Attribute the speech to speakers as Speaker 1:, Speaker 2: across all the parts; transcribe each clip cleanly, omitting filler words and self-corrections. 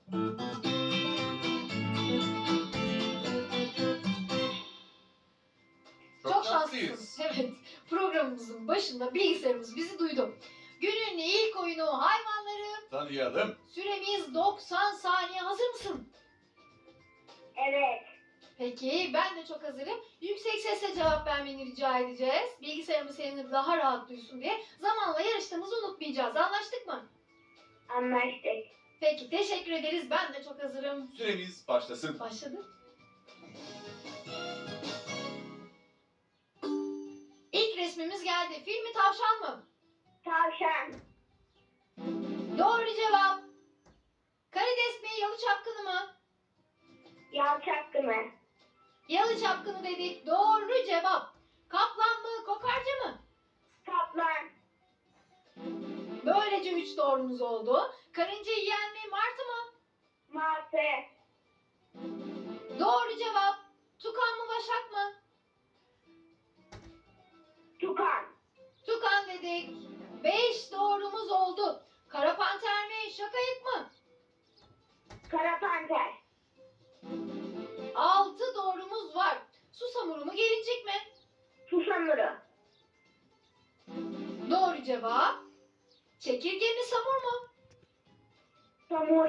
Speaker 1: Çok şanslıyız. Evet, programımızın başında bilgisayarımız bizi duydu. Günün ilk oyunu hayvanları.
Speaker 2: Tanıyalım.
Speaker 1: Süremiz 90 saniye. Hazır mısın?
Speaker 3: Evet.
Speaker 1: Peki, ben de çok hazırım. Yüksek sesle cevap vermeni rica edeceğiz. Bilgisayarımız seni daha rahat duysun diye. Zamanla yarıştığımızı unutmayacağız. Anlaştık mı?
Speaker 3: Anlaştık.
Speaker 1: Peki, teşekkür ederiz. Ben de çok hazırım.
Speaker 2: Süremiz başlasın.
Speaker 1: Başladı. İlk resmimiz geldi. Fil mi, tavşan mı?
Speaker 3: Tavşan.
Speaker 1: Doğru cevap. Karides mi, yalı çapkını mı?
Speaker 3: Yal çapkını.
Speaker 1: Yalı çapkını dedik. Doğru cevap. Kaplan mı, kokarca mı?
Speaker 3: Kaplan.
Speaker 1: Böylece 3 doğrumuz oldu. Karınca yiyen mi, martı mı?
Speaker 3: Martı.
Speaker 1: Doğru cevap. Tukan mı, başak mı?
Speaker 3: Tukan.
Speaker 1: Tukan dedik. 5 doğrumuz oldu. Kara panter mi, şakayık mı?
Speaker 3: Kara panter.
Speaker 1: 6 doğrumuz var. Susamuru mu, gelincik mi?
Speaker 3: Susamuru.
Speaker 1: Doğru cevap. Çekirge mi, samur mu?
Speaker 3: Samur.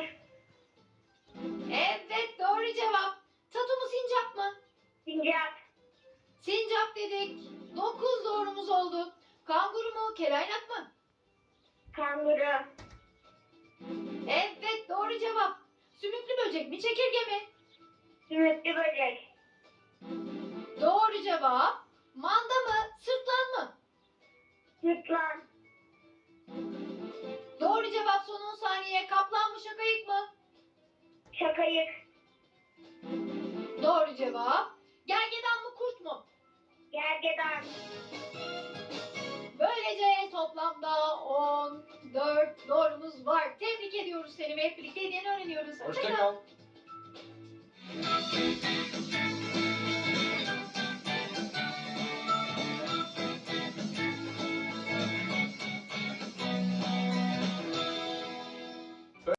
Speaker 1: Evet, doğru cevap. Tatu mu, sincap mı?
Speaker 3: Sincap.
Speaker 1: Sincap dedik. 9 doğrumuz oldu. Kanguru mu, kelaynak mı?
Speaker 3: Kanguru.
Speaker 1: Evet, doğru cevap. Sümüklü böcek mi, çekirge mi?
Speaker 3: Sümüklü böcek.
Speaker 1: Doğru cevap. Manda mı, sırtlan mı?
Speaker 3: Sırtlan.
Speaker 1: Doğru cevap, son 10 saniye. Kaplan mı, şakayık mı?
Speaker 3: Şakayık.
Speaker 1: Doğru cevap. Gergedan mı, kurt mu?
Speaker 3: Gergedan.
Speaker 1: Böylece toplamda 14 doğrumuz var. Tebrik ediyoruz seni ve hep birlikte hediyeni öğreniyoruz.
Speaker 2: Hoşça
Speaker 1: Hoşça kal.
Speaker 2: kal.